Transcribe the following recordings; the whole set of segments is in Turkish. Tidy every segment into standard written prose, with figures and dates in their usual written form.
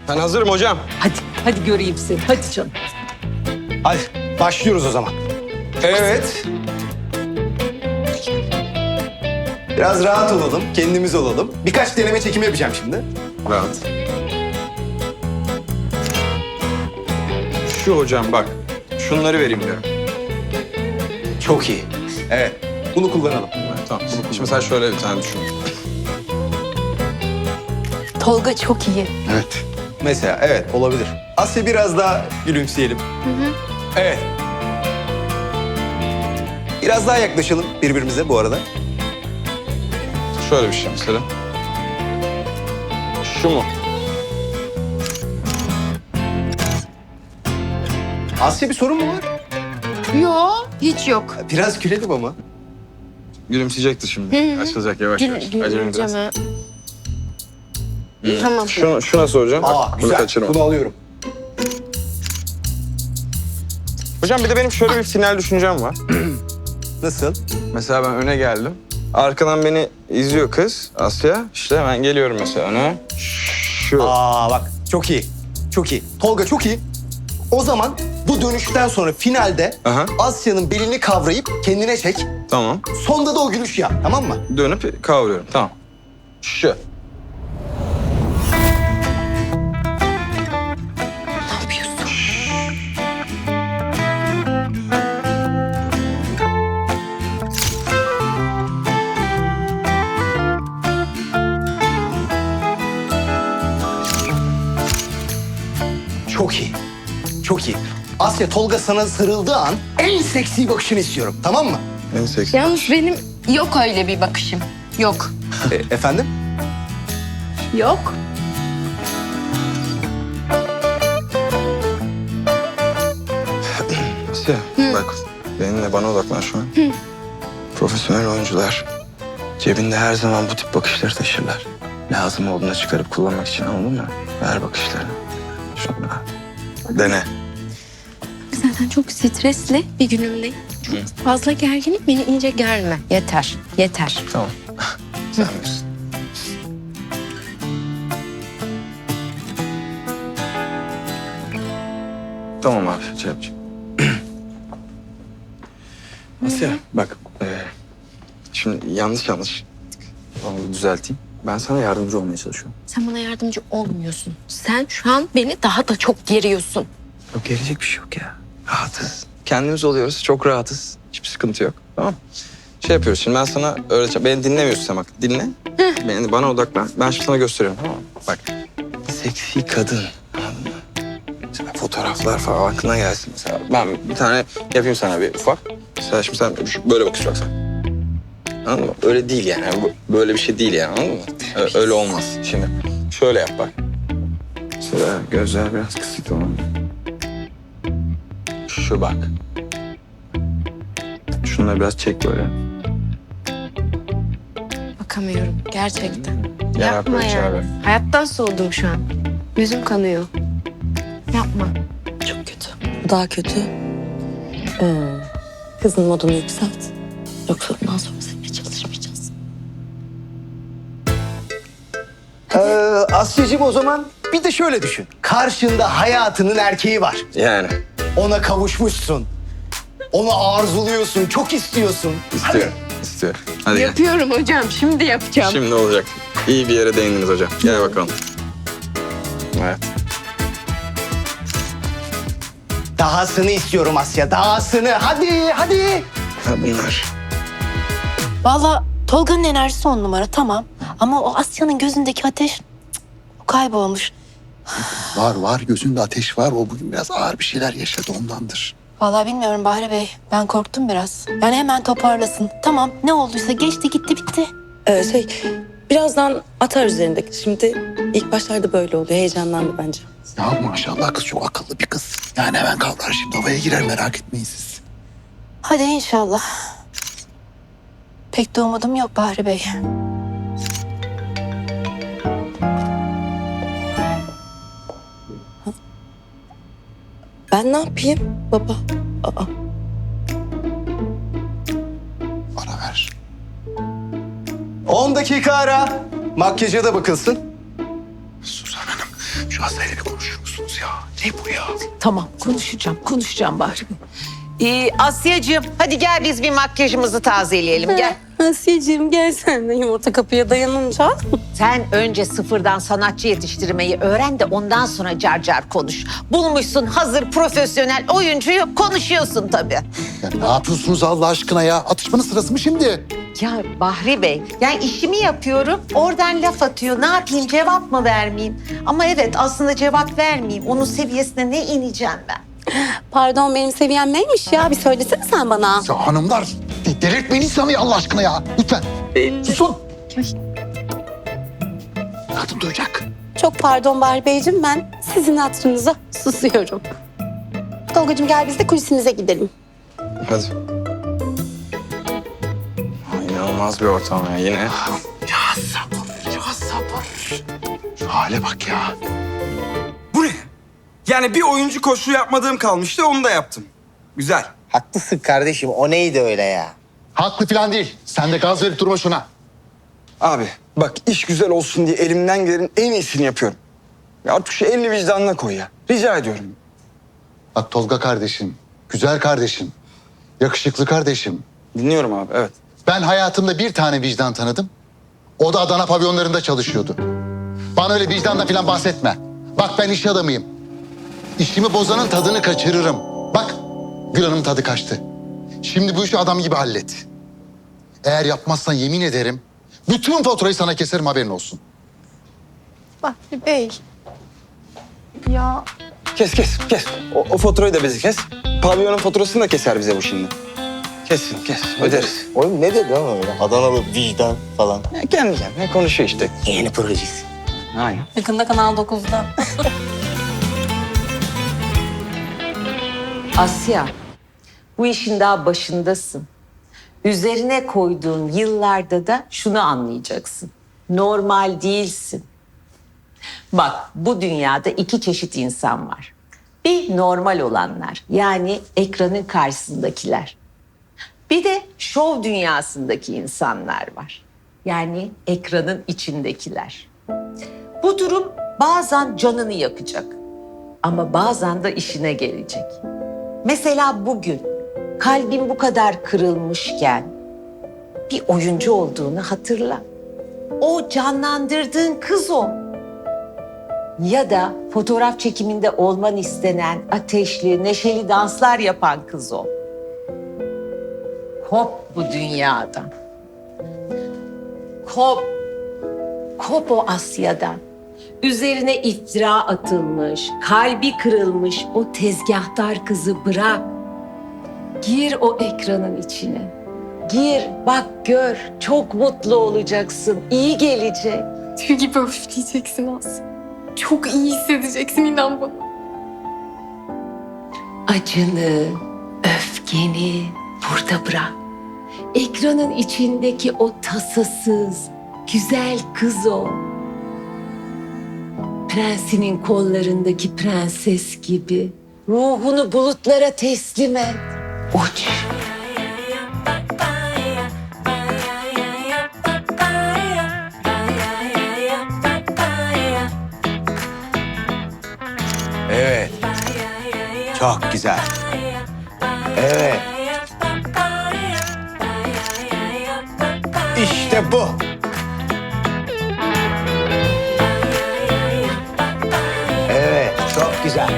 Ben hazırım hocam. Hadi göreyim seni. Hadi canım. Hadi başlıyoruz o zaman. Evet. Biraz rahat olalım, kendimiz olalım. Birkaç deneme çekimi yapacağım şimdi. Rahat. Şu hocam bak. Şunları vereyim diyorum. Çok iyi. Evet, bunu kullanalım. Tamam. Şimdi mesela şöyle bir tane düşün. Tolga çok iyi. Evet. Mesela evet olabilir. Asya biraz daha gülümseyelim. Evet. Biraz daha yaklaşalım birbirimize bu arada. Şöyle bir şey mesela. Şu mu? Asya bir sorun mu var? Yo, hiç yok. Biraz gülelim ama. Gülümseyecektir şimdi. Açılacak yavaş yavaş. Acele biraz. Güleceğim. Tamam. Şu nasıl hocam? Aa Bak, bunu güzel. kaçırma. Bunu alıyorum. Hocam bir de benim şöyle bir final düşüncem var. Nasıl? Mesela ben öne geldim. Arkadan beni izliyor kız Asya. İşte ben geliyorum mesela öne. Şu. Aa bak çok iyi. Çok iyi. Tolga çok iyi. O zaman bu dönüşten sonra finalde Aha. Asya'nın belini kavrayıp kendine çek. Tamam. Sonda da o gülüşü yap. Tamam mı? Dönüp kavruyorum. Tamam. Şu. Ne yapıyorsun? Çok iyi. Çok iyi. Asya Tolga sana sarıldığı an en seksi bakışını istiyorum. Tamam mı? En seksi. Yalnız benim yok öyle bir bakışım. Yok. Efendim? Yok. Asya bak benimle bana odaklan şu an. Profesyonel oyuncular cebinde her zaman bu tip bakışları taşırlar. Lazım olduğunda çıkarıp kullanmak için anladın mı? Ver bakışlarını. Şunla. Dene. Zaten çok stresli bir günümdeyim. Çok fazla gerginim. Beni iyice germe. Yeter. Yeter. Tamam. Sen bilirsin. Tamam abi, şey yapacağım. Asya, bak. Şimdi yanlış. Onu düzelteyim. Ben sana yardımcı olmaya çalışıyorum. Sen bana yardımcı olmuyorsun. Sen şu an beni daha da çok geriyorsun. Yok, gelecek bir şey yok ya. Rahatız. Kendimiz oluyoruz, çok rahatız. Hiçbir sıkıntı yok, tamam mı? Şey yapıyoruz şimdi, ben sana öğreteceğim. Beni dinlemiyorsun sen bak, dinle. Bana odaklan. Ben şimdi sana gösteriyorum, tamam mı? Bak, seksi kadın. Anladın mı? Mesela fotoğraflar falan aklına gelsin mesela. Ben bir tane yapayım sana bir ufak. Mesela şimdi sen böyle bakıyorsun bak sen. Anladın mı? Öyle değil yani. Böyle bir şey değil yani, anladın mı? Öyle olmaz. Şimdi şöyle yap bak. Mesela gözler biraz kısık tamam mı? Şu bak. Şunları biraz çek böyle. Bakamıyorum gerçekten. Gel Yapma böyle ya. çağır. Hayattan soğudum şu an. Yüzüm kanıyor. Yapma. Çok kötü. Bu daha kötü. Kızın modunu yükselt. Yoksa bundan sonra seninle çalışmayacağız. Asya'cığım o zaman bir de şöyle düşün. Karşında hayatının erkeği var. Yani. Ona kavuşmuşsun. Onu arzuluyorsun, çok istiyorsun. İstiyorum. İstiyorum. Hadi gel. Yapıyorum hocam. Şimdi yapacağım. Şimdi olacak. İyi bir yere değindiniz hocam. Gel bakalım. Evet. Dahasını istiyorum Asya, dahasını. Hadi, hadi. Ha bunlar. Vallahi Tolga'nın enerjisi 10 numara tamam. Ama o Asya'nın gözündeki ateş o kaybolmuş. Var gözünde ateş var. O bugün biraz ağır bir şeyler yaşadı ondandır. Vallahi bilmiyorum Bahri Bey. Ben korktum biraz. Yani hemen toparlasın. Tamam ne olduysa geçti gitti bitti. Birazdan atar üzerindeki. Şimdi ilk başlarda böyle oluyor. Heyecanlandı bence. Ya maşallah kız çok akıllı bir kız. Yani hemen kavrar şimdi havaya girer merak etmeyin siz. Hadi inşallah. Pek de umudum yok Bahri Bey. Ben ne yapayım baba? Aa, Ara ver. 10 dakika ara. Makyaja da bakılsın. Suzan Hanım Şu Aslı'yla bir konuşur musunuz ya? Ne bu ya? Tamam konuşacağım Bahri Bey. Asya'cığım hadi gel biz bir makyajımızı tazeleyelim gel. Asiye'ciğim gel sen de yumurta kapıya dayanınca. Sen önce sıfırdan sanatçı yetiştirmeyi öğren de ondan sonra car car konuş. Bulmuşsun hazır profesyonel oyuncuyu konuşuyorsun tabii. Ya ne yapıyorsunuz Allah aşkına ya? Atışmanın sırası mı şimdi? Ya Bahri Bey yani işimi yapıyorum oradan laf atıyor ne yapayım cevap mı vermeyeyim? Ama evet aslında cevap vermeyeyim onun seviyesine ne ineceğim ben? Pardon benim seviyem neymiş ya? Bir söylesene sen bana. Ya hanımlar delirtmeyin insanı ya Allah aşkına ya. Lütfen. Susun. Kadın duyacak. Çok pardon Bahri Beyciğim, ben sizin hatırınıza susuyorum. Tolgacığım gel biz de kulisimize gidelim. Hadi. İnanılmaz bir ortam ya yine. Ya sabır. Şu hale bak ya. Bu ne? Yani bir oyuncu koşu yapmadığım kalmıştı onu da yaptım. Güzel. Haklısın kardeşim. O neydi öyle ya? Haklı falan değil. Sen de gaz verip durma şuna. Abi bak iş güzel olsun diye elimden gelenin en iyisini yapıyorum. Ya artık şu elini vicdanına koy ya. Rica ediyorum. Bak Tolga kardeşim, güzel kardeşim, yakışıklı kardeşim. Dinliyorum abi evet. Ben hayatımda bir tane vicdan tanıdım. O da Adana pavyonlarında çalışıyordu. Bana öyle vicdanla falan bahsetme. Bak ben iş adamıyım. İşimi bozanın tadını kaçırırım. Bak Gül Hanım'ın tadı kaçtı. Şimdi bu işi adam gibi hallet. Eğer yapmazsan yemin ederim bütün faturayı sana keserim haberin olsun. Bahri Bey. Ya Kes. O faturayı da bizi kes. Pavyonun faturasını da keser bize bu şimdi. Kes öderiz. Oğlum ne dedi lan öyle? Adanalı vicdan falan. Ya kendi kendine konuşuyor işte. Yeni projesi. Aynen. Yakında Kanal 9'da. Asya, bu işin daha başındasın. Üzerine koyduğun yıllarda da şunu anlayacaksın. Normal değilsin. Bak, bu dünyada iki çeşit insan var. Bir normal olanlar, yani ekranın karşısındakiler. Bir de şov dünyasındaki insanlar var. Yani ekranın içindekiler. Bu durum bazen canını yakacak. Ama bazen de işine gelecek. Mesela bugün kalbin bu kadar kırılmışken bir oyuncu olduğunu hatırla. O canlandırdığın kız o. Ya da fotoğraf çekiminde olman istenen ateşli, neşeli danslar yapan kız o. Kop bu dünyadan. Kop. Kop o Asya'dan. Üzerine iftira atılmış, kalbi kırılmış o tezgahtar kızı bırak. Gir o ekranın içine. Gir, bak gör. Çok mutlu olacaksın. İyi gelecek. Tüy gibi öfleyeceksin Aslı. Çok iyi hissedeceksin inan bana. Acını, öfkeni burada bırak. Ekranın içindeki o tasasız, güzel kız o. Prensinin kollarındaki prenses gibi. Ruhunu bulutlara teslim et. Uç. Evet. Çok güzel. Evet. İşte bu. Evet, çok güzel.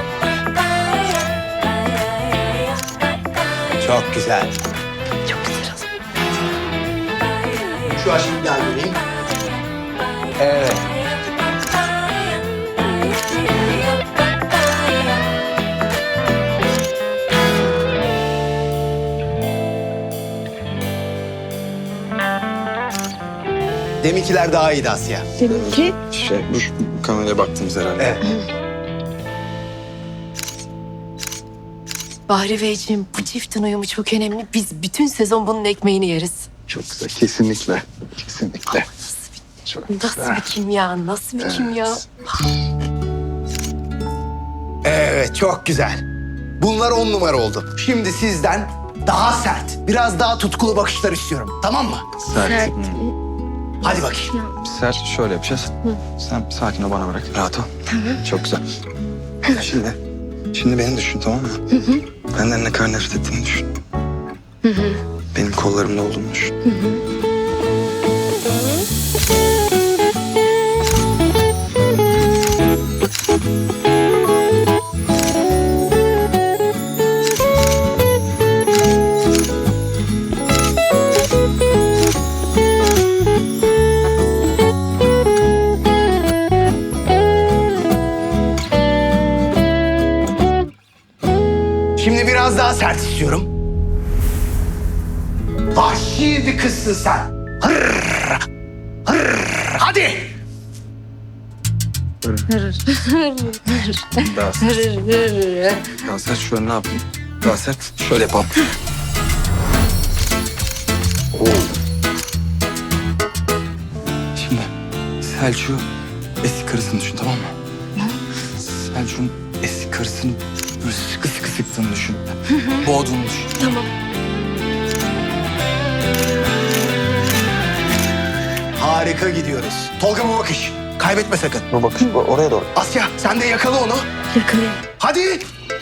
Çok güzel. Çok güzel oldu. Şu aşkı bir daha göreyim. Evet. Deminkiler daha iyiydi Asya. Bu kameraya baktığımız herhalde. Evet. Bahri Beyciğim bu çiftin uyumu çok önemli. Biz bütün sezon bunun ekmeğini yeriz. Çok güzel kesinlikle. Kesinlikle. Nasıl bir kimya, nasıl bir kimya. Evet, çok güzel. Bunlar 10 numara oldu. Şimdi sizden daha sert, biraz daha tutkulu bakışlar istiyorum. Tamam mı? Sert. Hadi bakayım. Ser şöyle yapacağız. Sen sakin ol, bana bırak. Rahat ol. Tamam. Çok güzel. Şimdi beni düşün, tamam mı? Benden ne kadar nefret ettiğini düşün. Benim kollarımda olduğunu düşün. Şimdi biraz daha sert istiyorum. Vahşi bir kızsın sen. Hırr, hırr. Hadi. Daha sert. Daha sert şöyle ne yapayım? Daha sert şöyle yapalım. Oo. Şimdi Selçuk'u eski karısını düşün, tamam mı? Selçuk'un eski karısını böyle sıkı sıkı sıktığını düşün. Boğduğunu düşün. Tamam. Harika gidiyoruz. Tolga bu bakış. Kaybetme sakın. Bu bakış oraya doğru. Asya sen de yakala onu. Yakalayayım. Hadi.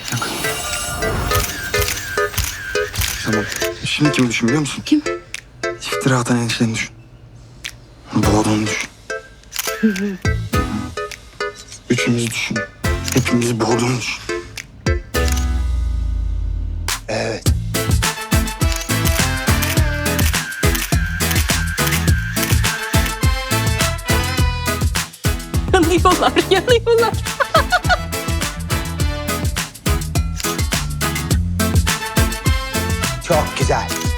Tamam. Şimdi kimi düşün biliyor musun? Kim? İftira atan enişteni düşün. Boğduğunu düşün. Üçümüzü düşün. Hepimizi boğduğunu düşün. Evet. Yanıyorlar, yanıyorlar. Çok güzel.